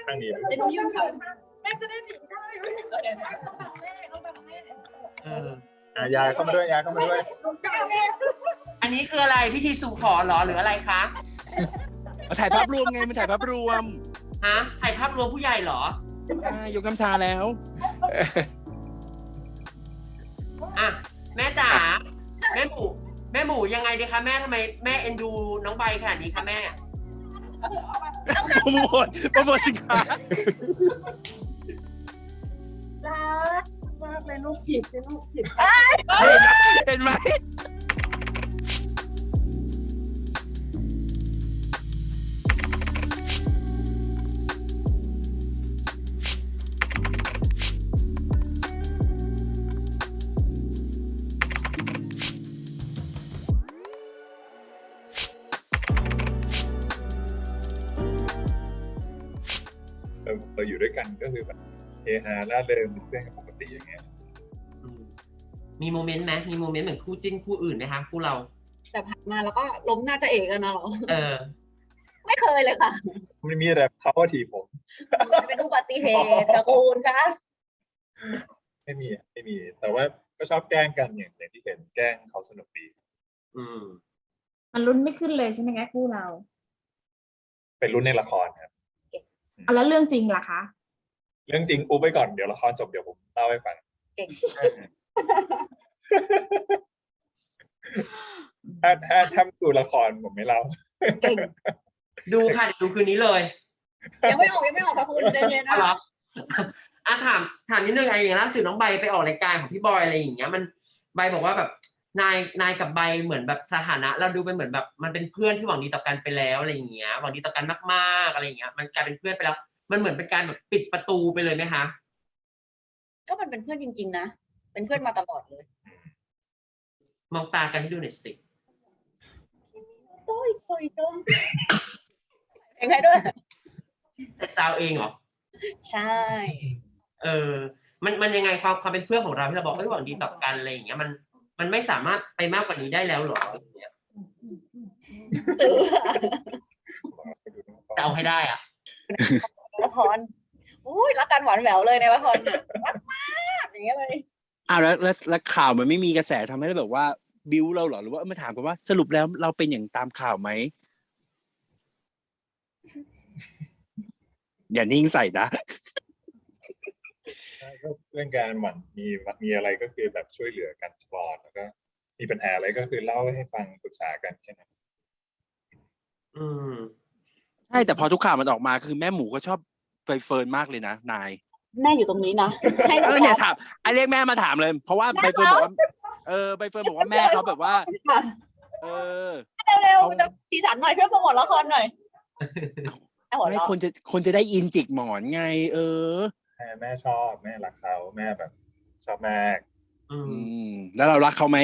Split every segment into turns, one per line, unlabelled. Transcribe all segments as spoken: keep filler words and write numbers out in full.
ข้างนี้
เดี๋ยวหนูยืนค่ะแม่จะได้หนีได้เอาตามแม่เอาตามแม่
เออ
อ่ะยายเข้ามาด้วยยายเข้ามาด้วย
อันนี้คืออะไรพิธีสู่ขอเหรอหรืออะไรคะ
มาถ่ายภาพรวมไงมันถ่ายภาพรวม
ฮะถ่ายภาพรวมผู้ใหญ่เหรอ
อ่ายกน้ำชาแล้ว
อ่ะแม่จ๋าแม่หมูแม่หมูยังไงดีคะแม่ทำไมแม่เอ็นดูน้องใบขนาดนี้คะแม่
โปรโมทโปรโมทสินค้า
รักมากเลยลูกจีบใช่ลูกจีบ
เห็นไหม
เราเราอยู่ด้วยกันก็คือแบบเฮฮาล่าเริงเป็นเพื่อนกันปกติอย่างเงี้ย
อืมมีโมเมนต์ไหมมีโมเมนต์เหมือนคู่จิ้นคู่อื่นไหมคะคู่เรา
แต่ผ่านมาแล้วก็ล้มหน้าจะเอกกันนะหรอ
เออ
ไม่เคยเลยค่ะ
ไม่มีแต่เขาว่าทีผม
เป็นอุบัติเหตุตระกูลคะ
ไม่มีอ่ะไม่มี แต่ว่าก็ชอบแกล้งกันอย่างอย่างที่เห็นแกล้งเขาสนุกดี
อืม
มันลุ้นไม่ขึ้นเลยใช่ไหมคะคู่เรา
เป็นรุ่นในละครครับ
อ่ะแล้วเรื่องจริงล่ะคะ
เรื่องจริงอูไปก่อนเดี๋ยวละครจบเดี๋ยวผมเล่าให้ฟัง
เก่ง
ถ้าถ้าถ้าดูละครผมไม่เล่า
เก่ง
ดูค่ะดูคืนนี้เลย
ยังไม่ออกยังไม่ออกค่ะคุณใจเย็น
อ๋อ
นะ
เหรออ่ะถามถามนิดนึงไอ้อย่างล่าสุดน้องใบไปออกรายการของพี่บอยอะไรอย่างเงี้ยมันใบบอกว่าแบบนายนายกับใบเหมือนแบบสถานะ เราดูเป็นเหมือนแบบมันเป็นเพื่อนที่หวังดีต่อกันไปแล้วอะไรอย่างเงี้ยหวังดีต่อกันมากๆอะไรอย่างเงี้ยมันกลายเป็นเพื่อนไปแล้ว มันเหมือนเป็นการแบบปิดประตูไปเลยไหมคะ
ก็มันเป็นเพื่อนจริงๆนะเป็นเพื่อนมาตลอดเลย
มองตากันให้ดูหน่อยสิ
โต้ยโต้ยโต้ยเพลงใครด้วย
เซตซาวเองเหรอ
ใช่
เออ มันมันยังไงความความเป็นเพื่อนของเราที่เราบอกเอ้ยหวังดีต่อกันอะไรอย่างเงี้ยมันมันไม่สามารถไปมากกว่านี้ได้แล้วหรออะไรอย่างเงี้ย
ตื่น
จะเอาให้ได้อ่ะ
ละครอุ้ยรักกันหวานแหววเลยในละครน่ะรักมากอย่างเงี้ยเลย
อ้าวแล้วแล้วแล้วข่าวมันไม่มีกระแสทำให้เราแบบว่าบิวเราเหรอหรือว่ามาถามกันว่าสรุปแล้วเราเป็นอย่างตามข่าวไหมอย่านิ่งใส่นะ
เรื่องการหมั่นมีมีอะไรก็คือแบบช่วยเหลือกันตลอดแล้วก็มีปัญหาอะไรก็คือเล่าให้ฟังปรึกษากันแค่นั้น
อืม
ใช่แต่พอทุกข่าวมันออกมาคือแม่หมูก็ชอบไฟเฟิร์นมากเลยนะนาย
แม่อยู่ตรงนี้นะให้
เออเนี่ยถามไอเรียกแม่มาถามเลย เพราะว่าใบเฟิร์นบอกว่าเออใบเฟิร์นบอกว่าแม่เขาแบบว่า เออ
เร็วๆจะสีสันหน่อยช่วยโปรโมทละครหน่อยเอาหัว
ไม่
เราะ
คนจะคนจะได้อินจิกหมอนไง เออ
แม่แม่ชอบแม่รักเขาแม่แบบชอบมาก
อื
อื
ม
มแล้วเรารักเขาไหม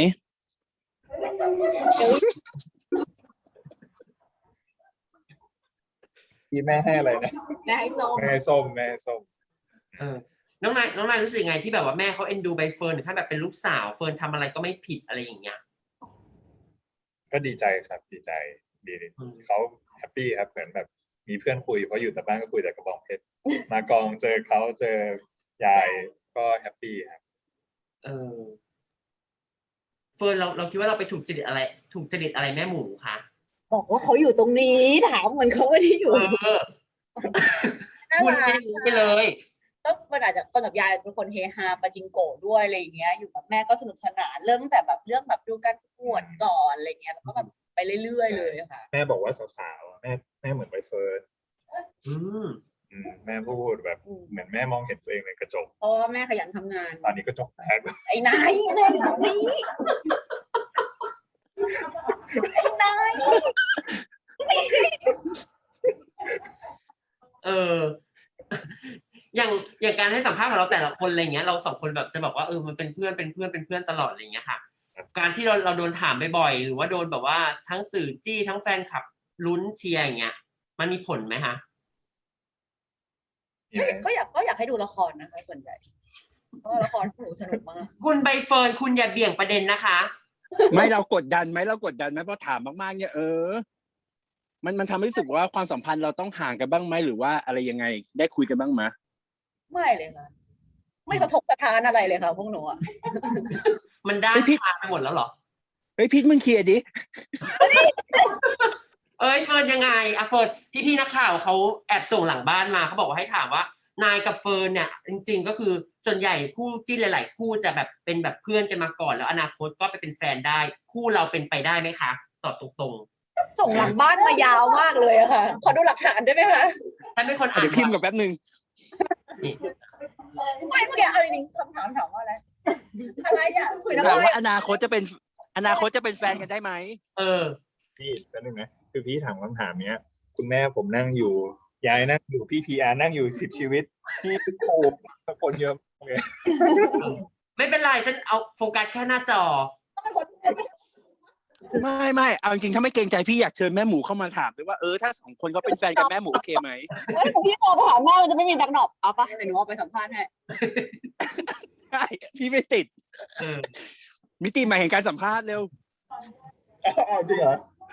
ที่แม่ให้อะไรนะ
แม่ให้ส้ม
แม่ให้ส้มแม่ให้ส้ม
เออ น้องนายน้องนายรู้สึกยังไงที่แบบว่าแม่เขาเอ็นดูใบเฟิร์นถึงขั้นแบบเป็นลูกสาวเฟิร์นทำอะไรก็ไม่ผิดอะไรอย่างเงี้ย
ก็ดีใจครับดีใจดี
อืม
เขาแฮปปี้ครับเหมือนแบบมีเพื่อนคุยเพราะอยู่แต่บ้านก็คุยแต่กระบองเพชรมากองเจอเขาเจอยายก็แฮปปี้ครับ
เออเฟิร์นเราเราคิดว่าเราไปถูกจริตอะไร ถูกจริตอะไรแม่หมูคะ
บอกว่าเขาอยู่ตรงนี้ถามเหมือนเขาไม่ได้อยู่
เออคุณไม่รู้ไปเลย
ก็มันอาจจะคนกับยายเป็นคนเฮฮาปาจิงโกะด้วยอะไรอย่างเงี้ยอยู่กับแม่ก็สนุกสนานเริ่มตั้งแต่แบบเรื่องแบบดูการประกวดก่อนอะไรเงี้ยแล้วก็แบบไปเรื่อยๆเลยค่ะ
แม่บอกว่าสาวๆแม่แม่เหมือนใบเฟิร์น
อืม
อืมแม่พูดแบบเหมือนแม่มองเห็นตัวเองในกระจก
เพราะว่าแม่ขยันทำงาน
ตอนนี้กระจกแตก
ไอ้นายแม่อยู่ตรงนี้ไอ้นาย
เออ อย่างอย่างการให้สัมภาษณ์ของเราแต่ละคนอะไรเงี้ยเราสองคนแบบจะบอกว่าเออมันเป็นเพื่อนเป็นเพื่อนเป็นเพื่อนตลอดอะไรเงี้ยค่ะ การที่เราเราโดนถามบ่อยๆหรือว่าโดนแบบว่าทั้งสื่อจี้ทั้งแฟนคลับลุ้นเชียร์อย่างเงี้ยมันมีผลไหมคะ
ก็อยากก็อยากให้ดูละครนะคะส่วนใหญ่เพราะว่าละครหนูสนุกมาก
คุณใบเฟิร์นคุณอย่าเบี่ยงประเด็นนะคะ
ไม่เรากดดันไหมเรากดดันไหมเพราะถามมากๆเนี่ยเออมันมันทำให้รู้สึกว่าความสัมพันธ์เราต้องห่างกันบ้างไหมหรือว่าอะไรยังไงได้คุยกันบ้างไหม
ไม่เลยค่ะ ไม่กระทบกระทานอะไรเลยค่ะพวกหนูอะ
มันด้านชาไปหมดแล้วเหรอ
เฮ้ยพีทมึงเคลียร์ดิ
เอ้ยเฟิร์นยังไงอะเฟิร์นพี่พี่ๆนักข่าวเขาแอบส่งหลังบ้านมาเขาบอกว่าให้ถามว่านายกับเฟิร์นเนี่ยจริงๆก็คือส่วนใหญ่คู่จิ้นหลายๆคู่จะแบบเป็นแบบเพื่อนกันมาก่อนแล้วอนาคตก็ไปเป็นแฟนได้ คู่เราเป็นไปได้ไหมคะตอบตรง
ส่งหลังบ้านมายาวมากเลยอะค่ะ ขอดูหลักฐานได้ไหมคะ
ๆถ้าไม่คนอ่าน
เดี๋ยวพิมพ์กับแป๊บนึง
นี่
ไม่เมื่อกี้เอาจริงๆคำถามถามว่าอะไร อะไรอะคุยนะ
ถาม
ว่า
ว่าอนาคตจะเป็นอนาคตจะเป็นแฟนกันได้ไหม
เออ
พี่แป๊บนึงนะคือพี่ถามคำถามเนี้ย คุณแม่ผมนั่งอยู่ยายนั่งอยู่พี่พีอาร์นั่งอยู่สิบชีวิตพี่โอ้คนเยอะมากเลย
ไม่เป็นไรฉันเอาโฟกัสแค่หน้าจอ
ไม่ไม่เอาจริงๆถ้าไม่เกรงใจพี่อยากเชิญแม่หมูเข้ามาถามด้วยว่าเออถ้าสองคนก็เป็นแฟนกันแม่หมูโอเคไหม
ว่าถ้าพี่มองไปหาแม่มันจะไม่มีแบ็คดรอปเอาปะเดี๋ยวหนูเอาไปสัมภาษณ์ให้
ใช่พี่ไม่ติด
เออ
มิติใหม่แห่งการสัมภาษณ์เร็ว
อ้าวจริงเหรอ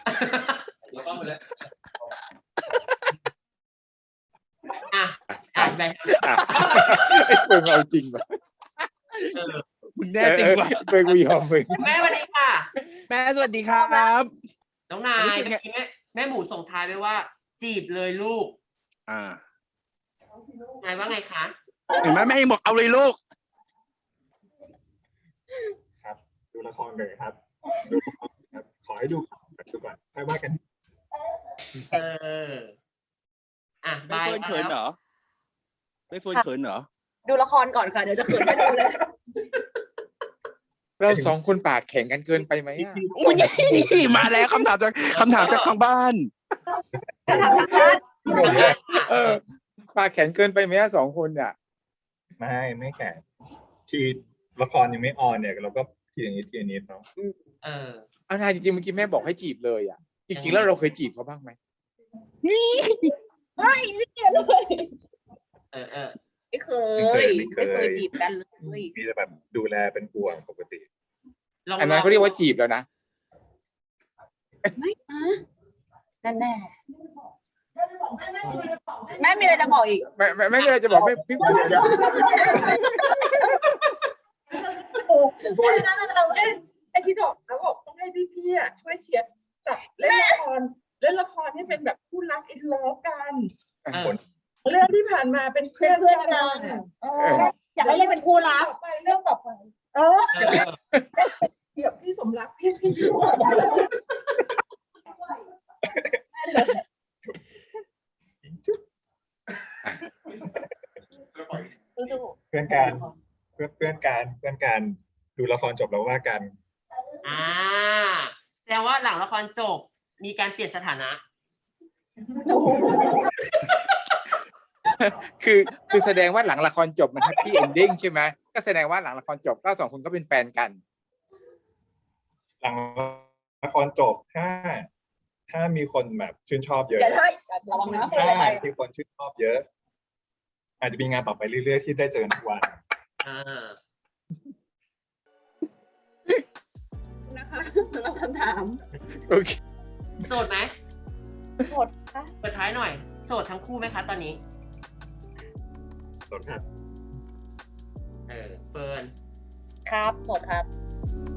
อ่ะอ่านไป
ไอ้เฟิงเอาจริงว่ะ
เออ
มึงแน่จริงวะ
เออเฟิงกูยอมเฟิง
แม่สวัสดีค่ะ
แม่สวัสดีครับ
น้องนาย
รู้สึกไง
เมื่อกี้แม่แม่หมูส่งท้ายไว้ว่า จีบเลยลูก
อ่าน
ายว่าไงคะ
เห็นไหมแม่ยังบอกเอาเลยลูก
ครับดูละครเลยครับดูครับขอให้ดูก่อนดูก่อนค่อยว่ากัน
เออ อ่ะ
ใบ
บาย
เฟิร์นเขินเหรอใบเฟิร์นเขินเหรอ
ดูละครก่อนค่ะเดี๋ยวจะเขินให้ดูเลย
เราสองคนปากแข็งกันเกินไปไหมอ่ะ
อุ้ยมาแล้วคำถามจากคำถามจากทางบ้าน
จะทำทางบ้าน
เออปากแข็งเกินไปไหมอ่ะสองคนอ่ะ
ไม่ไม่แข่งที่ละครยังไม่ออนเนี่ยเราก็ทีอย่างนี้ทีอย่างนี้เนาะ
เออ
เอานายจริงๆเมื่อกี้แม่บอกให้จีบเลยอ่ะจริงๆแล้วเราเคยจีบเขาบ้างไหม
ไม่ไม่เกี่ยวเลย
เออเออ
ไม่เคยไม่เคยจีบกันเลย
มีแต่แบบดูแลเป็นห่วงปกติ
ลอง
อันนั้นเขาเรียกว่าจีบแล้วนะ
ไม่นะนั่นแน่แม่มีอะไรจะบอกอีก
ไม่ไม่ไม่มีอะไรจะบอกไม่พี่
ไม่นะเราเล่น
ไอ้ที่บอกแล้วบอกต้องให้พี่ๆอ่ะช่วยเชียร์จับเล่นละครเล่นละครให้เป็นแบบคู่รักอินเลิฟกัน
เออ
เรื่องที่ผ่านมาเป็นเพื่อน
เพื่อนกันเอออยากให้เล่นเป็นคู่รัก
ต่อไปเรื่องต่อไป
เออ
เออ
เดี๋ยวพี่สมรักพี่พี่ช่วย
สู้
เพื่อนการเพื่อนเพื่อนการเพื่อนการดูละครจบแล้วว่ากัน
อ่าแสดงว่าหลังละครจบ มีการเปลี่ยนสถานะ
คือคือแสดงว่าหลังละครจบมันแฮปปี้เอนดิ้งใช่ไหมก็แสดงว่าหลังละครจบก็สองคนก็เป็นแฟนกัน
หลังละครจบถ้า ถ้ามีคนแบบชื่นชอบเย
ๆ
อะ
อย่าได้ระวังนะพูด
ถ้า
อะไรไป
ที่คนชื่นชอบเยอะ อาจจะมีงานต่อไปเรื่อยๆที่ได้เจอทุกวัน
อ่า
นะคะสำหรับคำถาม
โอเค
โสดไหม
หมดค่ะ
เปิดท้ายหน่อย โสดทั้งคู่ไหมคะตอนนี้
สวัสดีครับ
เออ เฟิร์น
ครับหมดครับ